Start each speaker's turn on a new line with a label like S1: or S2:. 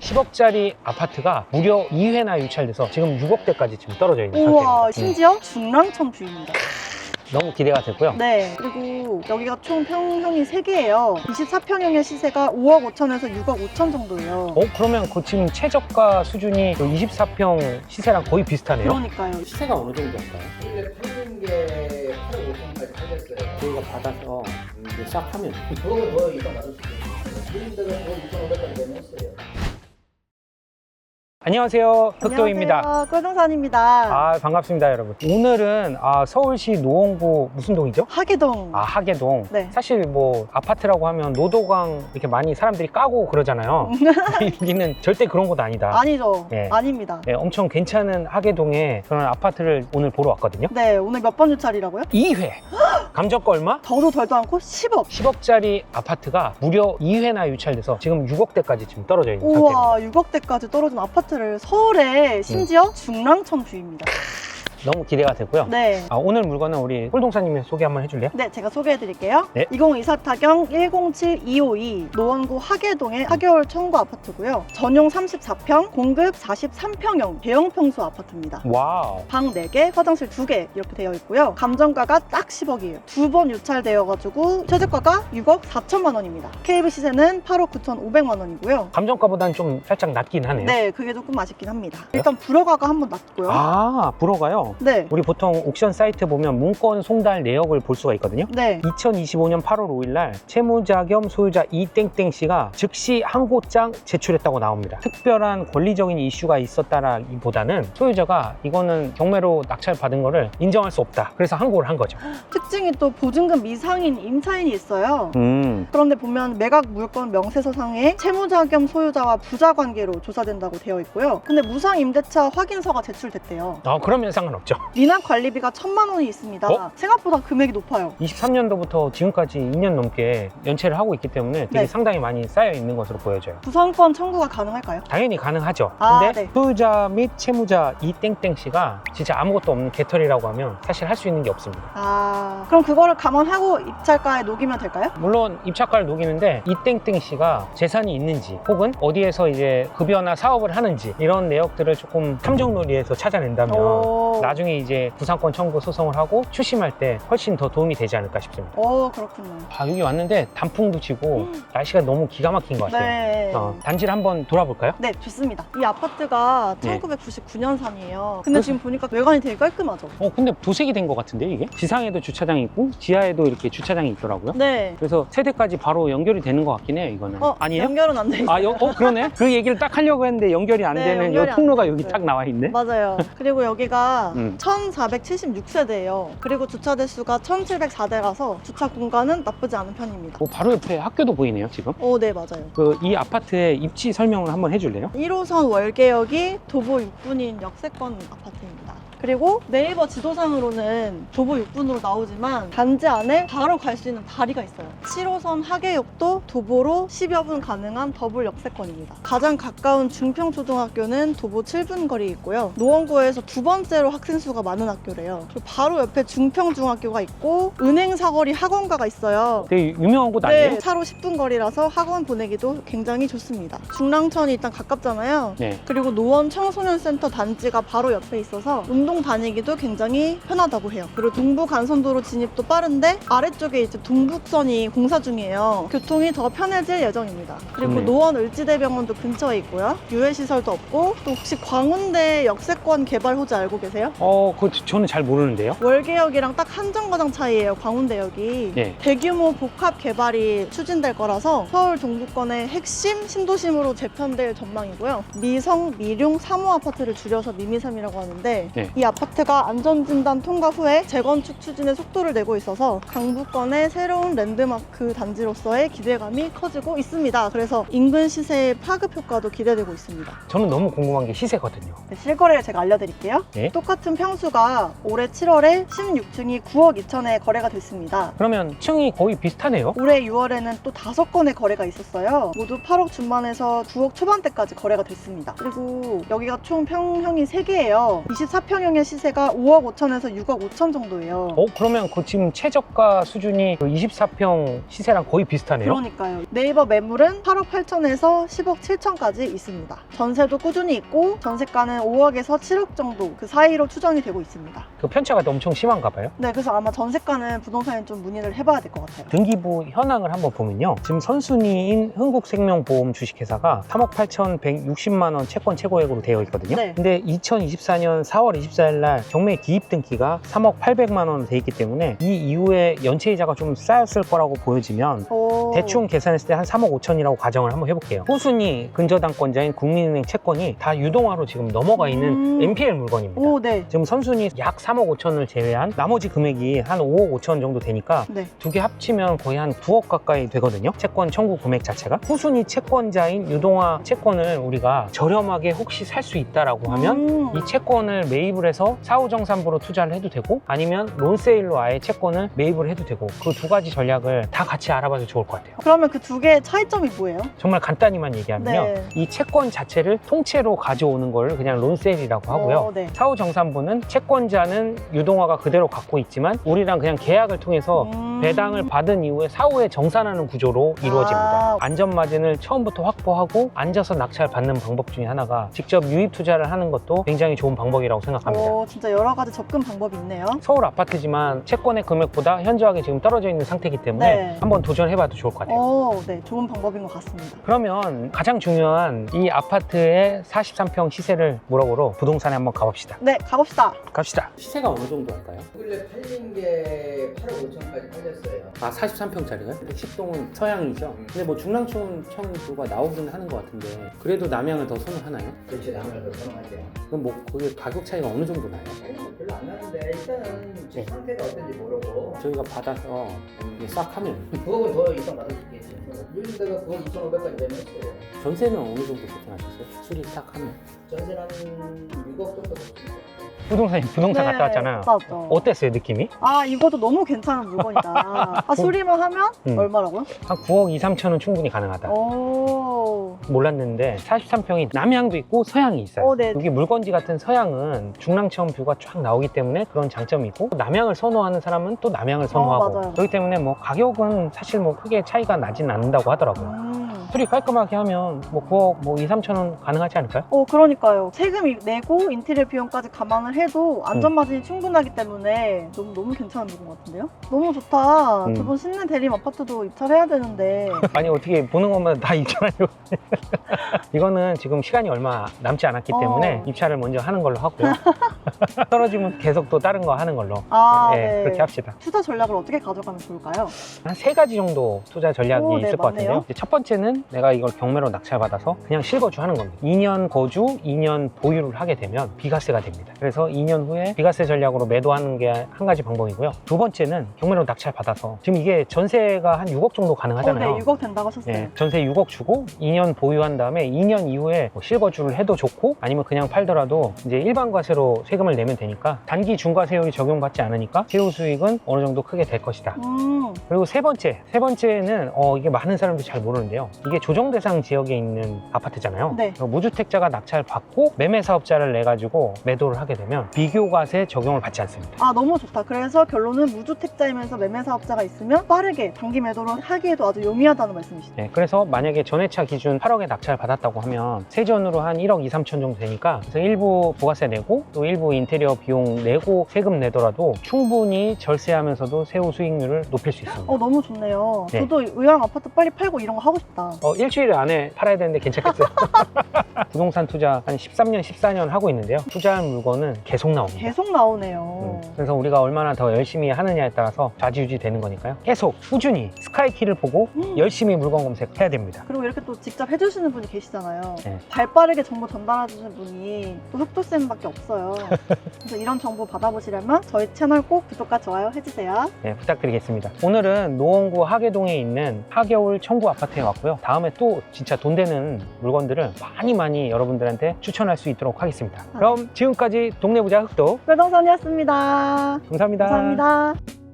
S1: 10억짜리 아파트가 무려 2회나 유찰돼서 지금 6억대까지 지금 떨어져 있는
S2: 우와,
S1: 상태입니다.
S2: 심지어 중랑천 뷰입니다.
S1: 너무 기대가 되고요.
S2: 네, 그리고 여기가 총 평형이 3개예요. 24평형의 시세가 5억 5천에서 6억 5천 정도예요.
S1: 그러면 그 지금 최저가 수준이 24평 시세랑 거의 비슷하네요.
S2: 그러니까요.
S1: 시세가 어느 정도일까요?
S3: 원래 팔린 게 8억 5천까지 팔렸어요.
S1: 저희가 받아서 싹 하면
S3: 그거는 더 이상 나올 수도 있어요. 그린 데는 6,500까지 내놨어요.
S1: 안녕하세요, 흑도입니다.
S2: 안녕하세요, 꿀동산입니다.
S1: 아, 반갑습니다, 여러분. 오늘은 서울시 노원구 무슨 동이죠?
S2: 하계동.
S1: 하계동.
S2: 네.
S1: 사실 뭐 아파트라고 하면 노도강 이렇게 많이 사람들이 까고 그러잖아요. 여기는 절대 그런 곳 아니다.
S2: 아니죠.
S1: 네.
S2: 아닙니다.
S1: 네, 엄청 괜찮은 하계동에 그런 아파트를 오늘 보러 왔거든요.
S2: 네, 오늘 몇 번 유찰이라고요?
S1: 2회. 감정가 얼마?
S2: 더도 덜도 않고 10억.
S1: 10억짜리 아파트가 무려 2회나 유찰돼서 지금 6억대까지 지금 떨어져 있는 상태입니다.
S2: 우와, 6억대까지 떨어진 아파트를 서울에 심지어 중랑천 뷰입니다.
S1: 너무 기대가 되고요.
S2: 네.
S1: 오늘 물건은 우리 꿀동사님이 소개 한번 해줄래요?
S2: 네, 제가 소개해드릴게요.
S1: 네.
S2: 2024 타경 107252 노원구 하계동의 하계월 청구 아파트고요. 전용 34평, 공급 43평형 대형 평수 아파트입니다.
S1: 와우.
S2: 방 4개, 화장실 2개 이렇게 되어 있고요. 감정가가 딱 10억이에요. 2번 유찰되어가지고 최저가가 6억 4천만 원입니다. KB 시세는 8억 9,500만 원이고요.
S1: 감정가보다는 좀 살짝 낮긴 하네요.
S2: 네, 그게 조금 아쉽긴 합니다. 일단 불허가가 한번 낮고요.
S1: 불어가요?
S2: 네.
S1: 우리 보통 옥션 사이트 보면 문건 송달 내역을 볼 수가 있거든요.
S2: 네.
S1: 2025년 8월 5일날 채무자 겸 소유자 이땡땡 씨가 즉시 항고장 제출했다고 나옵니다. 특별한 권리적인 이슈가 있었다라기보다는 소유자가 이거는 경매로 낙찰받은 거를 인정할 수 없다. 그래서 항고를 한 거죠.
S2: 특징이 또 보증금 미상인 임차인이 있어요.
S1: 음.
S2: 그런데 보면 매각 물건 명세서상에 채무자 겸 소유자와 부자 관계로 조사된다고 되어 있고요. 근데 무상 임대차 확인서가 제출됐대요.
S1: 그러면 상관없죠.
S2: 미납 관리비가 1,000만 원이 있습니다. 생각보다 금액이 높아요.
S1: 23년도부터 지금까지 2년 넘게 연체를 하고 있기 때문에 되게
S2: 네.
S1: 상당히 많이 쌓여 있는 것으로 보여져요.
S2: 구성권 청구가 가능할까요?
S1: 당연히 가능하죠.
S2: 아,
S1: 근데
S2: 네.
S1: 소유자 및 채무자 이땡땡 씨가 진짜 아무것도 없는 개털이라고 하면 사실 할 수 있는 게 없습니다.
S2: 그럼 그거를 감안하고 입찰가에 녹이면 될까요?
S1: 물론 입찰가를 녹이는데 이땡땡 씨가 재산이 있는지 혹은 어디에서 이제 급여나 사업을 하는지 이런 내역들을 조금 탐정놀이에서 찾아낸다면 나중에 이제 구상권 청구 소송을 하고 추심할 때 훨씬 더 도움이 되지 않을까 싶습니다.
S2: 그렇군요.
S1: 여기 왔는데 단풍도 치고 날씨가 너무 기가 막힌 것 같아요.
S2: 네.
S1: 단지를 한번 돌아볼까요?
S2: 네, 좋습니다. 이 아파트가
S1: 네.
S2: 1999년산이에요. 근데 지금 보니까 외관이 되게 깔끔하죠?
S1: 근데 도색이 된 것 같은데 이게? 지상에도 주차장이 있고 지하에도 이렇게 주차장이 있더라고요.
S2: 네.
S1: 그래서 세대까지 바로 연결이 되는 것 같긴 해요, 이거는. 아니에요?
S2: 연결은 안 돼 있어요.
S1: 그러네? 그 얘기를 딱 하려고 했는데 연결이 안
S2: 네,
S1: 되는
S2: 연결이
S1: 이 통로가
S2: 안
S1: 여기
S2: 됐어요.
S1: 딱 나와 있네?
S2: 맞아요. 그리고 여기가 1476세대예요. 그리고 주차 대수가 1704대라서 주차 공간은 나쁘지 않은 편입니다.
S1: 바로 옆에 학교도 보이네요, 지금.
S2: 네, 맞아요.
S1: 이 아파트의 입지 설명을 한번 해줄래요?
S2: 1호선 월계역이 도보 6분인 역세권 아파트입니다. 그리고 네이버 지도상으로는 도보 6분으로 나오지만 단지 안에 바로 갈 수 있는 다리가 있어요. 7호선 하계역도 도보로 10여 분 가능한 더블 역세권입니다. 가장 가까운 중평초등학교는 도보 7분 거리에 있고요. 노원구에서 두 번째로 학생 수가 많은 학교래요. 그리고 바로 옆에 중평중학교가 있고 은행사거리 학원가가 있어요.
S1: 되게 유명한 곳 아니에요?
S2: 네, 차로 10분 거리라서 학원 보내기도 굉장히 좋습니다. 중랑천이 일단 가깝잖아요.
S1: 네.
S2: 그리고 노원 청소년센터 단지가 바로 옆에 있어서 운동 다니기도 굉장히 편하다고 해요. 그리고 동부 간선도로 진입도 빠른데 아래쪽에 이제 동북선이 공사 중이에요. 교통이 더 편해질 예정입니다. 그리고
S1: 좋네요.
S2: 노원 을지대병원도 근처에 있고요. 유해시설도 없고 또 혹시 광운대 역세권 개발 호재 알고 계세요?
S1: 그거 저는 잘 모르는데요.
S2: 월계역이랑 딱 한 정거장 차이예요. 광운대역이.
S1: 네.
S2: 대규모 복합 개발이 추진될 거라서 서울 동부권의 핵심 신도심으로 재편될 전망이고요. 미성, 미룡, 3호 아파트를 줄여서 미미삼이라고 하는데
S1: 네.
S2: 이 아파트가 안전진단 통과 후에 재건축 추진에 속도를 내고 있어서 강북권의 새로운 랜드마크 단지로서의 기대감이 커지고 있습니다. 그래서 인근 시세의 파급 효과도 기대되고 있습니다.
S1: 저는 너무 궁금한 게 시세거든요.
S2: 네, 실거래를 제가 알려드릴게요.
S1: 네.
S2: 똑같은 평수가 올해 7월에 16층이 9억 2천에 거래가 됐습니다.
S1: 그러면 층이 거의 비슷하네요.
S2: 올해 6월에는 또 5건의 거래가 있었어요. 모두 8억 중반에서 9억 초반대까지 거래가 됐습니다. 그리고 여기가 총 평형이 3개예요. 24평형 3평형의 시세가 5억 5천에서 6억 5천 정도예요.
S1: 그러면 그 지금 최저가 수준이 그 24평 시세랑 거의 비슷하네요.
S2: 그러니까요. 네이버 매물은 8억 8천에서 10억 7천까지 있습니다. 전세도 꾸준히 있고 전세가는 5억에서 7억 정도 그 사이로 추정이 되고 있습니다.
S1: 그 편차가 엄청 심한가 봐요.
S2: 네, 그래서 아마 전세가는 부동산에 좀 문의를 해봐야 될 것 같아요.
S1: 등기부 현황을 한번 보면요. 지금 선순위인 흥국생명보험 주식회사가 3억 8,160만 원 채권 최고액으로 되어 있거든요.
S2: 네.
S1: 근데 2024년 4월 24일 날 경매 기입 등기가 3억 800만 원 돼 있기 때문에 이 이후에 연체이자가 좀 쌓였을 거라고 보여지면
S2: 오.
S1: 대충 계산했을 때 한 3억 5천이라고 가정을 한번 해볼게요. 호순위 근저당권자인 국민은행 채권이 다 유동화로 지금 넘어가 있는 NPL 물건입니다.
S2: 오, 네.
S1: 지금 선순위 약 3억 5천을 제외한 나머지 금액이 한 5억 5천 정도 되니까
S2: 네.
S1: 두 개 합치면 거의 한 9억 가까이 되거든요. 채권 청구 금액 자체가. 후순위 채권자인 유동화 채권을 우리가 저렴하게 혹시 살 수 있다라고 하면 이 채권을 매입을 해서 사후정산부로 투자를 해도 되고 아니면 론세일로 아예 채권을 매입을 해도 되고 그 두 가지 전략을 다 같이 알아봐도 좋을 것 같아요.
S2: 그러면 그 두 개의 차이점이 뭐예요?
S1: 정말 간단히만 얘기하면요.
S2: 네.
S1: 이 채권 자체를 통째로 가져오는 걸 그냥 론세일이라고 하고요.
S2: 네.
S1: 사후정산부는 채권자는 유동화가 그대로 갖고 있지만 우리랑 그냥 계약을 통해서 배당을 받은 이후에 사후에 정산하는 구조로 이루어집니다. 안전마진을 처음부터 확보하고 앉아서 낙찰 받는 방법 중에 하나가 직접 유입 투자를 하는 것도 굉장히 좋은 방법이라고 생각합니다.
S2: 진짜 여러 가지 접근 방법이 있네요.
S1: 서울 아파트지만 채권의 금액보다 현저하게 지금 떨어져 있는 상태이기 때문에
S2: 네.
S1: 한번 도전해봐도 좋을 것 같아요.
S2: 네, 좋은 방법인 것 같습니다.
S1: 그러면 가장 중요한 이 아파트의 43평 시세를 물어보러 부동산에 한번 가봅시다.
S2: 네, 가봅시다.
S1: 갑시다. 시세가 어느 정도 할까요?
S3: 원래 팔린 게 8억 5천까지 팔렸어요.
S1: 아, 43평짜리가요? 110동은 서양이죠? 근데 뭐 중랑천뷰가 나오기는 하는 것 같은데 그래도 남양을 더 선호하나요?
S3: 그렇지, 남을 더 선호하죠.
S1: 그럼 뭐 그게 가격 차이가 어느 정도 나요?
S3: 별로 안 나는데 일단은 집 상태가 어떤지 모르고
S1: 저희가 받아서 이게 싹 하면
S3: 9억은 더 이상 받을 수 있겠지. 요즘 데가 9억 2,500까지 되면 있어요.
S1: 전세는 어느 정도 세팅하셨어요? 수리 싹 하면
S3: 전세는 한 6억 정도 됐습니다.
S1: 부동산 갔다 왔잖아요.
S2: 갔다 왔죠.
S1: 어땠어요, 느낌이?
S2: 이것도 너무 괜찮은 물건이다. 수리만 하면 얼마라고요?
S1: 한 9억 2, 3천은 충분히 가능하다.
S2: 오.
S1: 몰랐는데 43평이 남향도 있고 서향이 있어요.
S2: 네.
S1: 여기 물건지 같은 서향은 중랑천 뷰가 쫙 나오기 때문에 그런 장점이 있고 남향을 선호하는 사람은 또 남향을 선호하고
S2: 맞아요.
S1: 그렇기 때문에 뭐 가격은 사실 뭐 크게 차이가 나진 않는다고 하더라고요. 수리 깔끔하게 하면 뭐 9억 뭐 2, 3천 원 가능하지 않을까요?
S2: 그러니까요. 세금 내고 인테리어 비용까지 감안을 해도 안전마진이 충분하기 때문에 너무 괜찮은 물건 같은데요? 너무 좋다. 두 분 신내 대림 아파트도 입찰해야 되는데.
S1: 아니 어떻게 보는 것마다 다 입찰하려고 이거는 지금 시간이 얼마 남지 않았기 때문에 입찰을 먼저 하는 걸로 하고요. 떨어지면 계속 또 다른 거 하는 걸로
S2: 네.
S1: 그렇게 합시다.
S2: 투자 전략을 어떻게 가져가면 좋을까요?
S1: 한 3가지 정도 투자 전략이
S2: 네,
S1: 있을 것
S2: 맞네요.
S1: 같은데요. 첫 번째는 내가 이걸 경매로 낙찰받아서 그냥 실거주 하는 겁니다. 2년 거주, 2년 보유를 하게 되면 비과세가 됩니다. 그래서 2년 후에 비과세 전략으로 매도하는 게 한 가지 방법이고요. 두 번째는 경매로 낙찰받아서 지금 이게 전세가 한 6억 정도 가능하잖아요.
S2: 네, 6억 된다고 하셨어요.
S1: 전세 6억 주고 2년 보유한 다음에 2년 이후에 뭐 실거주를 해도 좋고 아니면 그냥 팔더라도 이제 일반 과세로 세금을 내면 되니까 단기 중과세율이 적용받지 않으니까 세후 수익은 어느 정도 크게 될 것이다. 그리고 세 번째는 이게 많은 사람들이 잘 모르는데요. 이게 조정 대상 지역에 있는 아파트잖아요.
S2: 네.
S1: 무주택자가 낙찰 받고 매매 사업자를 내 가지고 매도를 하게 되면 비교과세 적용을 받지 않습니다.
S2: 너무 좋다. 그래서 결론은 무주택자이면서 매매 사업자가 있으면 빠르게 단기 매도를 하기에도 아주 용이하다는 말씀이시죠?
S1: 네, 그래서 만약에 전회차 기준 8억에 낙찰 받았다고 하면 세전으로 한 1억 2, 3천 정도 되니까 그래서 일부 부가세 내고 또 일부 인테리어 비용 내고 세금 내더라도 충분히 절세하면서도 세후 수익률을 높일 수 있습니다.
S2: 너무 좋네요.
S1: 네.
S2: 저도 의왕 아파트 빨리 팔고 이런 거 하고 싶다.
S1: 일주일 안에 팔아야 되는데 괜찮겠어요? 부동산 투자 한 13년, 14년 하고 있는데요. 투자한 물건은 계속 나옵니다.
S2: 계속 나오네요.
S1: 그래서 우리가 얼마나 더 열심히 하느냐에 따라서 좌지우지 되는 거니까요. 계속 꾸준히 스카이키를 보고 열심히 물건 검색해야 됩니다.
S2: 그리고 이렇게 또 직접 해주시는 분이 계시잖아요.
S1: 네.
S2: 발빠르게 정보 전달해주시는 분이 또 흑도쌤밖에 없어요. 그래서 이런 정보 받아보시려면 저희 채널 꼭 구독과 좋아요 해주세요.
S1: 네, 부탁드리겠습니다. 오늘은 노원구 하계동에 있는 하겨울 청구 아파트에 왔고요. 다음에 또 진짜 돈 되는 물건들을 많이 여러분들한테 추천할 수 있도록 하겠습니다. 그럼 지금까지 동네 부자 흑도
S2: 부동산이었습니다.
S1: 감사합니다.
S2: 감사합니다.